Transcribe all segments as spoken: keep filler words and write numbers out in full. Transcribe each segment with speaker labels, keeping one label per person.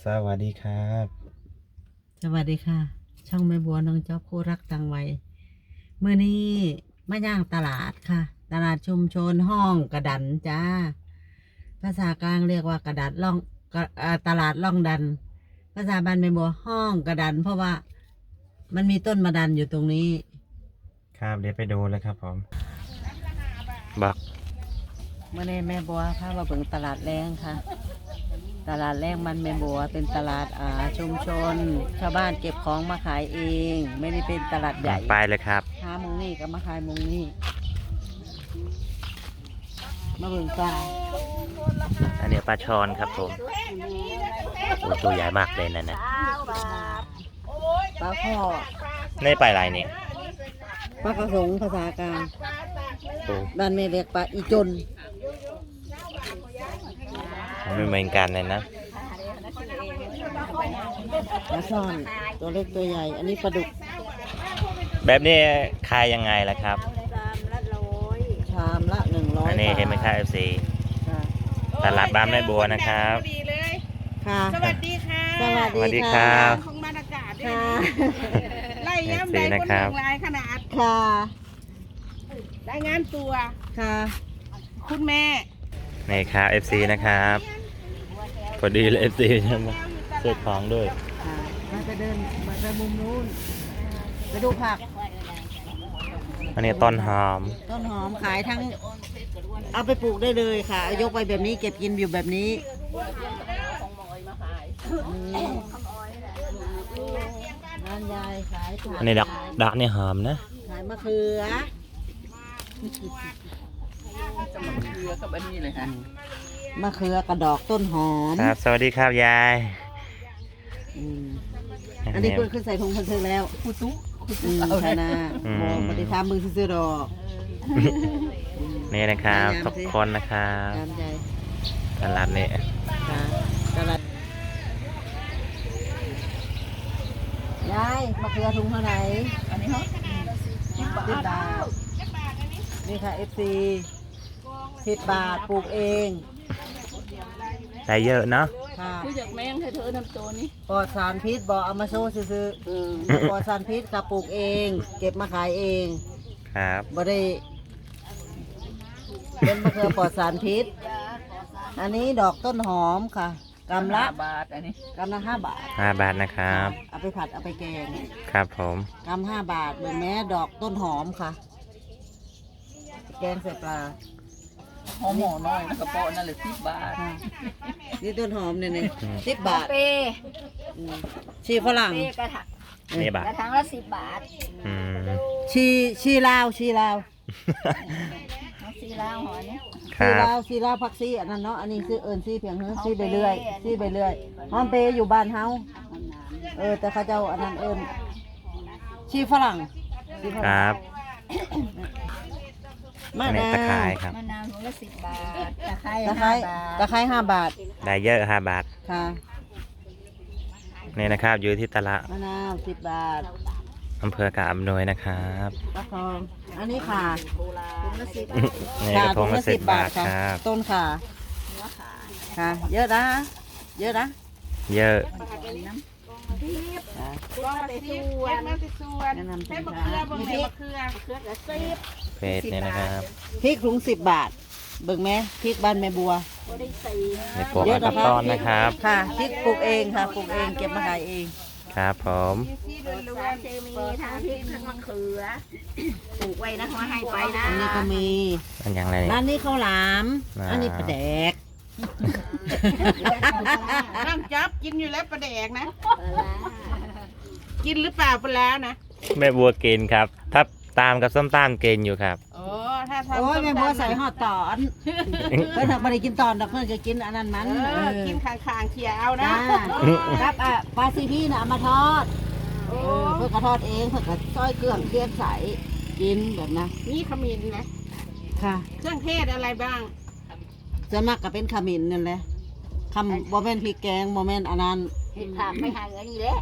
Speaker 1: สวัสดีครับ
Speaker 2: สวัสดีค่ะช่องแม่บัวน้องจ๊อบคู่รักต่างวัยเมื่อนี้มาย่างตลาดค่ะ ตลาดชุมชนห้องกระดันจ้าภาษากลางเรียกว่ากระดัดล่องตลาดล่องดันภาษาบ้านแม่บัวห้องกระดันเพราะว่ามันมีต้นมะดันอยู่ตรงนี้
Speaker 1: ครับเดี๋ยวไปดูเลยครับผมบัก
Speaker 2: เมื่อนี้แม่บัวพามาเบิ่งตลาดแรงค่ะตลาดแรกมันแม่บัวเป็นตลาดอ่าชุมชนชาวบ้านเก็บของมาขายเองไม่ได้เป็นตลาดใหญ่
Speaker 1: ไปเลยครับ
Speaker 2: หามุงนี่ก็มาขายมุงนี่มาเบิ่งปลา
Speaker 1: อันนี้ปลาชอนครับผมโอ้ตัวใหญ่มากเลยนะเนี่ย
Speaker 2: ปลาข้อ
Speaker 1: นี่ปลาอะไรนี่
Speaker 2: ปลากระสงภาษากลางบ้านแม่เรียกปลาอีจน
Speaker 1: ไม่เหมือนกันเลยนะ
Speaker 2: ปลาช่อนตัวเล็กตัวใหญ่อันนี้ปลาดุก
Speaker 1: แบบนี้ขายยังไงล่ะครับ
Speaker 2: ชามละหนึ่งร้อย
Speaker 1: อันนี้เห็นไหมครับเอฟซีตลาดบ้านแม่บัวนะครับ
Speaker 2: ค่ะ
Speaker 3: สวัสดีค่ะ
Speaker 1: สวัสดีครับ
Speaker 3: ของบรรยากาศด้วยไล่ย้ำได้คนหนึ่งลายขนาด
Speaker 2: ค่ะ
Speaker 3: ได้งานตัว
Speaker 2: ค่ะ
Speaker 3: คุณแม่
Speaker 1: นี่ครับเอฟซีนะครับพอดีเลยเอฟซีใช่ไหมเสื้อของด้วย
Speaker 2: มาจะเดินมาจะมุมนู้นไปดูผัก
Speaker 1: อันนี้ต้นหอม
Speaker 2: ต้นหอมขายทั้งเอาไปปลูกได้เลยค่ะยกไปแบบนี้เก็บกินอยู่แบบนี้ร้านยายขาย
Speaker 1: อันนี้ดักดักนี่หอมนะ
Speaker 2: ขายมะเขือ
Speaker 3: จะมะเขือกับอันนี้เลยค่ะ
Speaker 2: มะเขือกระดอกต้นหอม
Speaker 1: ครับสวัสดีครับยาย
Speaker 2: อันนี้คุณขึ้นใส่ถุงพันเธอแล้ว
Speaker 3: คุตุ
Speaker 2: คุตุเอาหน้าโมปฏิทามมือซื้อดอก
Speaker 1: นี่นะครับทุกคนนะครับตลาดนี้
Speaker 2: ตลาดยายมะเขือถุงเท่าไหร่
Speaker 3: อันนี้เหรอ
Speaker 2: สิบบาทนี่ค่ะเอฟซีสิบบาทปลูกเอง
Speaker 1: ได้เยอะเนาะ
Speaker 3: คือจากแมงเธอทำตัวนี้
Speaker 2: ปลอดสารพิษบอกเอามาโซ่ซื้อปลอดสารพิษกับปลูกเองเก็บมาขายเอง
Speaker 1: ครับ
Speaker 2: บ่ได้เป็นมะเขือปลอดสารพิษอันนี้ดอกต้นหอมค่ะกำละ
Speaker 3: บาทอันนี้
Speaker 2: กำละห้าบาท
Speaker 1: ห้าบาทนะครับ
Speaker 2: เอาไปผัดเอาไปแกง
Speaker 1: ครับผม
Speaker 2: กำห้าบาทเหมือนแม่ดอกต้นหอมค่ะแกงใส่ปลา
Speaker 3: หอมหอน้อยนะกระเป๋านั่นเลยสิบบาท
Speaker 2: นี่ต้นหอมเนี่ยนี่สิบบาท
Speaker 3: เป
Speaker 2: ชีฝรั่ง
Speaker 3: กระถาง
Speaker 1: นี่บาท
Speaker 3: กระถางละสิบบาท
Speaker 2: ชีชีลาวชีลาว
Speaker 3: ชีลาวหอนี้
Speaker 2: ชีลาวชีลาวผักซีอันนั้นเนาะอันนี้ซื้อเอิญซีเพียงเฮ้ยซีไปเรื่อยซีไปเรื่อยหอมเปย์อยู่บ้านเฮาเออแต่เขาเจ้าอันนั้นเอิญชีฝรั่ง
Speaker 1: ครับ
Speaker 2: มะนาว
Speaker 1: ตะไคร้ครับ
Speaker 3: มะนาวถุงละสิบบาทตะไคร้
Speaker 2: ตะไคร้ตะไคร้ห้าบาท
Speaker 1: ได้เยอะห้าบาท
Speaker 2: ค่ะ
Speaker 1: นี่นะครับอยู่ที่ตลาด
Speaker 2: มะนาวสิบบาท
Speaker 1: อำเภอกาบอำนวยนะครับ
Speaker 2: ตะคองอันนี้ค่ะ
Speaker 3: ถุงละสิบ
Speaker 1: นี่กระทงละสิบบาทครับ
Speaker 2: ต้นค่ะค่ะเยอะนะเยอะนะ
Speaker 1: เยอะ
Speaker 3: ก็มาส่วนมาส่วนให้มะเขือบางเม็ดมะเขือมะเขือละสิบ
Speaker 1: เพจนี่นะครับ
Speaker 2: พริกถุงสิบบาทเบิ่งไหมพริกบ้านแม่บัว
Speaker 1: ในปลูกอัลตอนนะครับ
Speaker 2: ค่ะพริกปลูกเองค่ะปลูกเองเก็บมาขายเอง
Speaker 1: ครับผม
Speaker 3: สารเคมีทั้งพริกทั้งมะเขือปลูกไว้นะเขาให้ไปนะ
Speaker 2: อันนี้ก็มี
Speaker 1: อันอย่างไร
Speaker 2: ร้านนี้ข้าวหลามอันนี้ปลาแดก
Speaker 3: นั่งจับกินอยู่แล้วปลาแดกนะกินหรือเปล่าปลานะ
Speaker 1: แม่บัวกินครับถ้าตามกับส้มตำกินอยู่ครับ
Speaker 3: โอ้ถ้าทำ
Speaker 2: โอ้ยแม่บัวใส่ห่อตอนเพื่อนไม่ได้กินตอนดอกเพื่อนจะกินอันนั้นมัน
Speaker 3: กินคางๆเขียวเอานะครับ
Speaker 2: อ่ะปลาซีพี่น่ะเอามาทอดเพื่อนก็ทอดเองเพื่อนก็ซอยเครื่องเคี่ยวใส่กินแบบนะ
Speaker 3: นี่ขมิ้นนะ
Speaker 2: ค่ะ
Speaker 3: เครื่องเทศอะไรบ้าง
Speaker 2: จะมากกับเป็นขมิ้นนั่นแหละคำโมเมนต์พริกแกงโมเมนต์อันนั้น
Speaker 3: เห็ดผักไม่หายอันนี้แหละ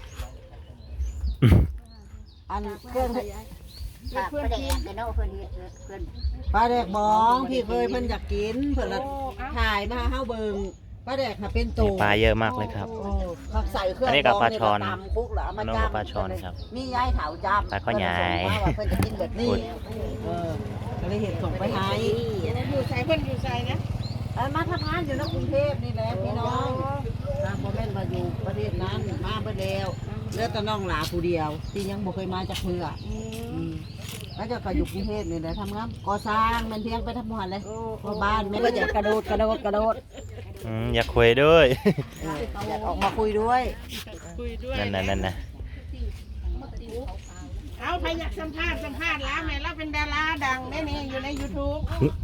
Speaker 2: อันเครื่อง
Speaker 3: เพื่อนกินแต่นอกเพื่อนเพื่อน
Speaker 2: ปลาแดกบองพี่เคยเพิ่นอยากกินเพิ่นละถ่ายมาเฮาเบิ่งปปลาแดกค่ะเป็นโต
Speaker 1: ปลาเยอะมากเลยครับ
Speaker 2: โอ้เขาใส่เครื่อง
Speaker 1: อันนี้กับปลาช่อน
Speaker 2: ตำคุกเหรอเอามา
Speaker 1: อันนู้น
Speaker 2: จ้
Speaker 1: กับปลาช่อนครับ
Speaker 2: มียายเถาจ้ำ
Speaker 1: ปลาข้าวใหญ่
Speaker 2: เพิ่นจะกินแบบนี้
Speaker 1: พูด
Speaker 2: เออก็เลยเห็นส่งไปให้
Speaker 3: อยู่ใส่เพิ่นอยู่ใส่นะ
Speaker 2: เอ้ยมาทำงานอยู่ในกรุงเทพนี่แหละพี่น้องทางพ่อแม่นมาอยู่ประเทศนั้นมาเบิดแล้วเหลือแต่น้องหลาผู้เดียว ที่ยังบ่เคยมาจากเพื่ออืมแล้วจะก็อยู่กรุงเทพนี่แหละทำงานก่อสร้างแมันเพียงไปทำงานเลยเพราะบ้านแม่ก็จะกระโดดกระโดดกระโดด
Speaker 1: อืมอยากคุยด้วย
Speaker 2: เอออยากออกมาคุยด้วย
Speaker 3: คุยด้วย
Speaker 1: นั่นน่ะนั่นน่ะ
Speaker 3: เอาใครอยากสัมภาษณ์สัมภาษณ์แล้วแม่เราเป็นดาราดังแน่นี่อยู่ใน YouTube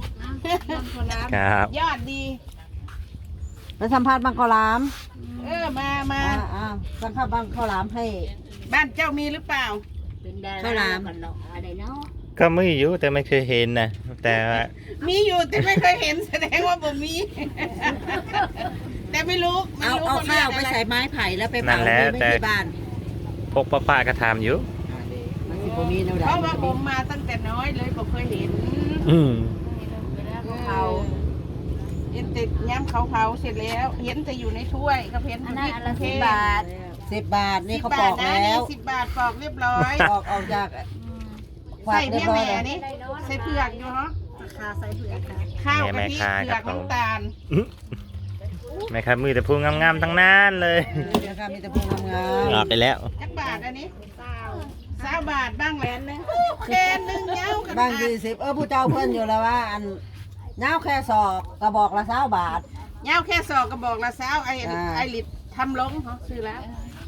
Speaker 1: ครับ
Speaker 3: ยอดดี
Speaker 2: ไปสัมภาษณ์บางข้าวหลาม
Speaker 3: เออมามา
Speaker 2: อ่าอ่าสัมภาษณ์บางข้าวหลามให้
Speaker 3: บ้านเจ้ามีหรือเปล่า
Speaker 2: ข้าวหลาม
Speaker 1: ก็ไม่อยู่แต่ไม่เคยเห็นนะแต่ว่า
Speaker 3: มีอยู่แต่ไม่เคยเห็นแสดงว่าบ่มี แต่ไม่รู้ไม่
Speaker 2: เอา
Speaker 3: รู้
Speaker 2: เอา
Speaker 3: คน
Speaker 2: ข้าว
Speaker 3: เรียก
Speaker 2: ไป
Speaker 3: อะไร
Speaker 2: ใส่ไม้ไผ่แล้วไปเผาไม่ไม่ที่บ้าน
Speaker 1: พวกป้าๆก็ทำอยู่
Speaker 2: มันสิบ่มีแนวใด
Speaker 3: เพราะว่าผมมาตั้งแต่น้อยเลยผมเคยเห็น
Speaker 1: อืม
Speaker 3: เขาเห็นติดย้ำเขาเผาเสร็จแล้ว เห็นแต่อยู่ในถ้วยก็เห็นอยู่ที่กรุงเทพ
Speaker 2: สิบบาทนี่เขา
Speaker 3: สิ
Speaker 2: ป
Speaker 3: บ
Speaker 2: อก
Speaker 3: บาทนะ
Speaker 2: แล้ว
Speaker 3: นี่สิบบาทปอกเรียบร้อย
Speaker 2: ปอกออกจากควั
Speaker 3: ใส่
Speaker 2: กเรีย
Speaker 3: เพี้
Speaker 2: บ
Speaker 3: ย
Speaker 2: ร้อย
Speaker 3: แม่
Speaker 2: แล้ว
Speaker 3: นี่ใส่เผือกอยู่เนาะข้าวกะทิเผือกน้ำตาล
Speaker 1: แม่ครับมือแต่พูงงามๆทั้งนั้นเลย
Speaker 2: นะครับมีแต่พวงงาม
Speaker 1: หลอกไปแล้ว
Speaker 3: จักบาทอันนี้สาวบาทบ้างแหวนหนึงแกนหนึงเงากัน
Speaker 2: บางยี่สิบเออผู้เจ้าเพิ่นอยู่แล้วว่า อันเงาแค่ศอกกระบอกละเช้าบาท
Speaker 3: เงาแค่สอกกระบอกละสาวไอ้
Speaker 2: อ่า
Speaker 3: ไอ้ลิดทำลงเขาซื้อแล้ว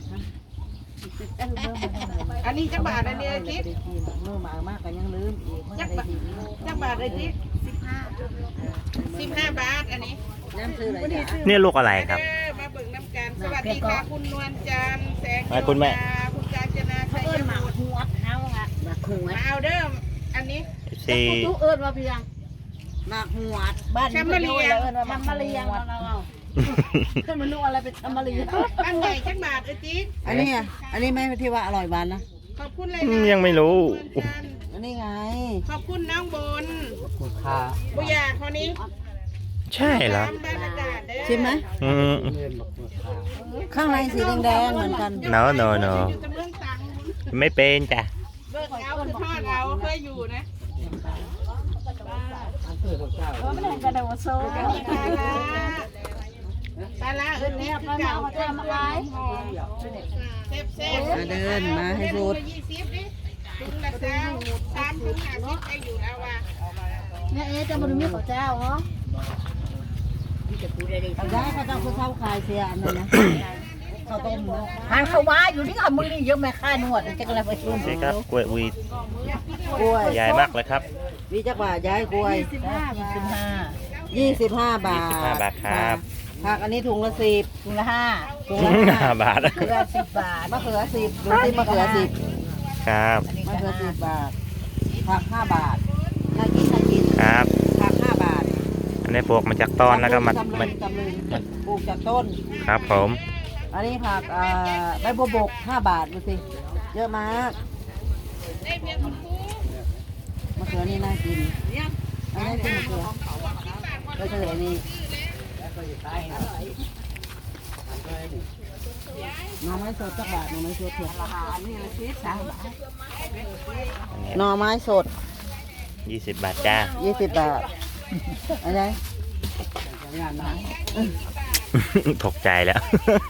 Speaker 3: อันนี้จักบาทอันนี้ไอ้จิ๊ก
Speaker 2: เมื่อมามากก็ยังลืมอีก
Speaker 3: จักบาทจักบาทไอ้จิ๊กสิบห้าสิบห้าบาทอันนี้
Speaker 2: น้ำซื้ออะไรจ้ะ
Speaker 1: เนี่ยลูกอะไรครับ
Speaker 3: เออมาเบิ่งน้ำกันสวัสดีค่ะคุณนวลจันทร์แสง
Speaker 1: อ่ะคุณแม่
Speaker 3: คุณกาญจนาชัยบุตร
Speaker 2: มาคุง
Speaker 3: มาเอาเด้ออันนี้
Speaker 1: ซี
Speaker 3: ทุกเอิญมาเพียง
Speaker 2: มาหวดบ้าน
Speaker 3: แชมเบอร์เลียง
Speaker 2: มามาเลียงเรา
Speaker 3: ขึ้นมาลูกอะไรเป็นแชมเบอร์เลียงบ้านใหญ่จักบาทไอ้จิ๊ก
Speaker 2: อันนี้อ่ะอันนี้ไม่ที่ว่าอร่อยหวานนะ
Speaker 3: ขอบคุณเลย
Speaker 1: อื
Speaker 3: นะ
Speaker 1: มยังไม่รู้
Speaker 3: คุณนวลจันทร์
Speaker 2: อันนี้ไง
Speaker 3: ขอบคุณน้องบน
Speaker 2: คุณค่า
Speaker 3: บุญยาคนนี้
Speaker 1: ใช่เหรอ
Speaker 3: ตามบรรยากาศเด้อ
Speaker 2: ชิมไหม
Speaker 1: อืม
Speaker 2: ข้างในสีแดงๆเหมือนกัน
Speaker 1: no no no
Speaker 3: อยู่แต่เมืองตัง
Speaker 1: ไม่เป็นจ้ะ
Speaker 3: เบิกเอาคือทอดเอาเคยอยู่นะไม่ได้กระโดดโซ่ปลาละปลาละเอิญเนี่ยปลาเก่าเจ้ามาขายเซฟเซฟ
Speaker 2: มาเดินมาให้สุด
Speaker 3: ยี่สิบดิถุงละสามสามถุงห้าสิบได้อยู่แล้วว่ะ
Speaker 4: เนี่ยเอ๊ะจะมาดูมีข้าวเจ้าเหรอ
Speaker 2: เอาได้เขาจะคุณเท่าขายเสียอันนั้นนะข้าวต้มเนาะ
Speaker 4: ทานเข้ามาอยู่ที่ขามือนี่เยอะแม่ค่านวดจะกระไรไปชุ่ม
Speaker 1: นี่ครับกล้วยวีด
Speaker 2: กล้วย
Speaker 1: ใหญ่มากเลยครับ
Speaker 2: วิจักบาทย้ายกล้วย
Speaker 4: สิบห้ายี่สิบห้า
Speaker 2: ยี่สิบห้าบาท
Speaker 1: ยี่สิบห้าบาทครับ
Speaker 2: ผักอันนี้ถุงละสิบ
Speaker 4: ถุงละห้า
Speaker 2: ถุงละห้า
Speaker 1: ห้าบาท
Speaker 4: เกลือสิบบาท
Speaker 2: มะเขือสิบดูสิมะเขือสิบ
Speaker 1: ครับ
Speaker 2: มะเขือสิบบาทผักห้าบาทน่ากินน่ากิน
Speaker 1: ครับ
Speaker 2: ผักห้าบาท
Speaker 1: อันนี้ปลูกมาจากต้นแล้วก็มา
Speaker 2: ตำลึ
Speaker 1: มาง
Speaker 2: ตำลึงปลูกจากต้น
Speaker 1: ครับผม
Speaker 2: อันนี้ผักอ่าใบบัวบกห้าบาทดูสิเยอะมาก
Speaker 3: ได้เพียงคุณครู
Speaker 2: มะเขือนี่น่ากินอันนี้เป็นมะเขือก็คืออันนี้หน่อไม้สดจักบาทหน่อไม้สดเถอะหน่อไม้สด
Speaker 1: ยี่สิบบาทจ้า
Speaker 2: ยี่สิบบาทอะไร
Speaker 1: ตกใจแล้ว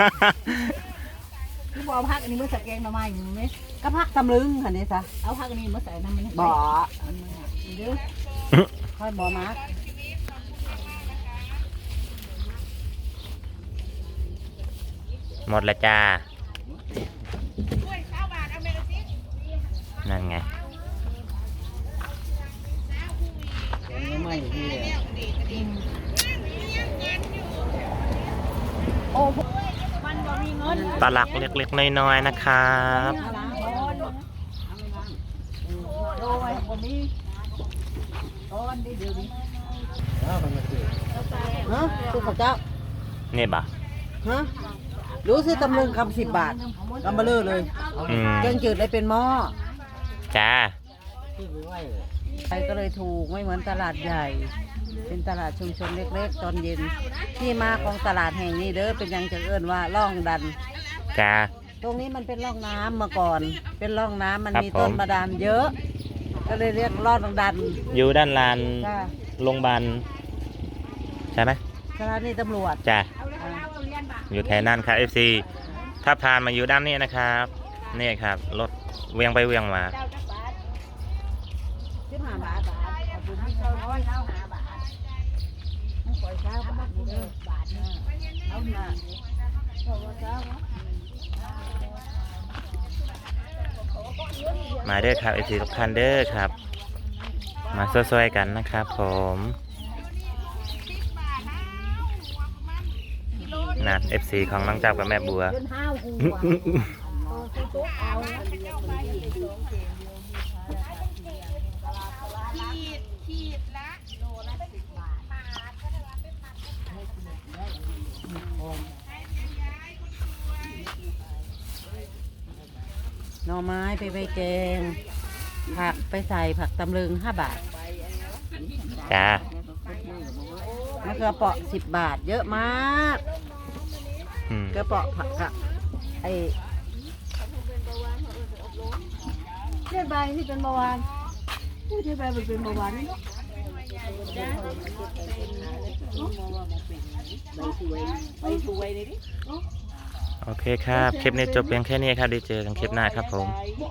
Speaker 4: ที่บอกพักอันนี้เมื่อใส่แกงหน่อไม้อยู่ไหม
Speaker 2: ก็พักตำลึงค่ะนี่ซะ
Speaker 4: เอาพักอันนี้เมื่อใส่น้ำมัน
Speaker 2: บ่อ
Speaker 4: เด้อ
Speaker 2: ค่อยบ่อมาร์ก
Speaker 1: หมดแล้วจ้า
Speaker 3: ถ้วยข้าวบาทเอาเมกะซิ
Speaker 1: นั่นไง
Speaker 2: ไม่ที่
Speaker 4: โอ้มันบ่มีเงิน
Speaker 1: ปลาหลักเล็กๆน้อยๆนะครับ
Speaker 4: โดยผมมีโอนดีเดี๋ยวนี้
Speaker 2: ฮะตุ๊กข้าวเจ้า
Speaker 1: นี่บ่ะ
Speaker 2: ฮะรู้สิตำลึงคำสิบบาทกำมาเลอเลย
Speaker 1: อืม
Speaker 2: แกงจืดเลยเป็นหม้อ
Speaker 1: จ้า
Speaker 2: ไปก็เลยถูกไม่เหมือนตลาดใหญ่เป็นตลาดชุมชนเล็กๆตอนเย็นที่มาของตลาดแห่งนี้เด้อเป็นหยังจะเอิ้นว่าร่องดัน
Speaker 1: จ้า
Speaker 2: ตรงนี้มันเป็นร่องน้ำมาก่อน เป็นร่องน้ำมัน
Speaker 1: ครับ
Speaker 2: มีต้น
Speaker 1: ผม
Speaker 2: บาดาลเยอะ ก็เลยเรียกร่องดัน
Speaker 1: อยู่ด้านลาน
Speaker 2: จ้า
Speaker 1: โรงพยาบาลใช่ไหม
Speaker 2: สถานีตำรวจ
Speaker 1: จ้าอยู่แถวนั้นครับ เอฟ ซี ถ้าผ่านมาอยู่ด้านนี้นะครับนี่ครับรถเวียงไปเวียงมา
Speaker 2: สิบห้าบาท
Speaker 1: มาเด้อครับ เอฟ ซี ทุกท่านเด้อครับ มาช่วยๆกันนะครับผมนะ เอฟ ซี ของน้องจับกับแม่บัว
Speaker 2: หน่อไม้ไปใบแกง ผักไปใส่ผักตำลึงห้าบาท
Speaker 1: จ้าม
Speaker 2: ะเขือเปราะสิบบาท เยอะมาก
Speaker 1: อืม
Speaker 2: กระเปราะผักกะไอ
Speaker 3: เลือดใบที่เป็นเบาหวานผู้ที่ใบมันเป็นเบาหวานนี่เนาะ
Speaker 1: โอเคครับ คลิปนี้จบเพียงแค่นี้ครับได้เจอกันคลิปหน้าครับผม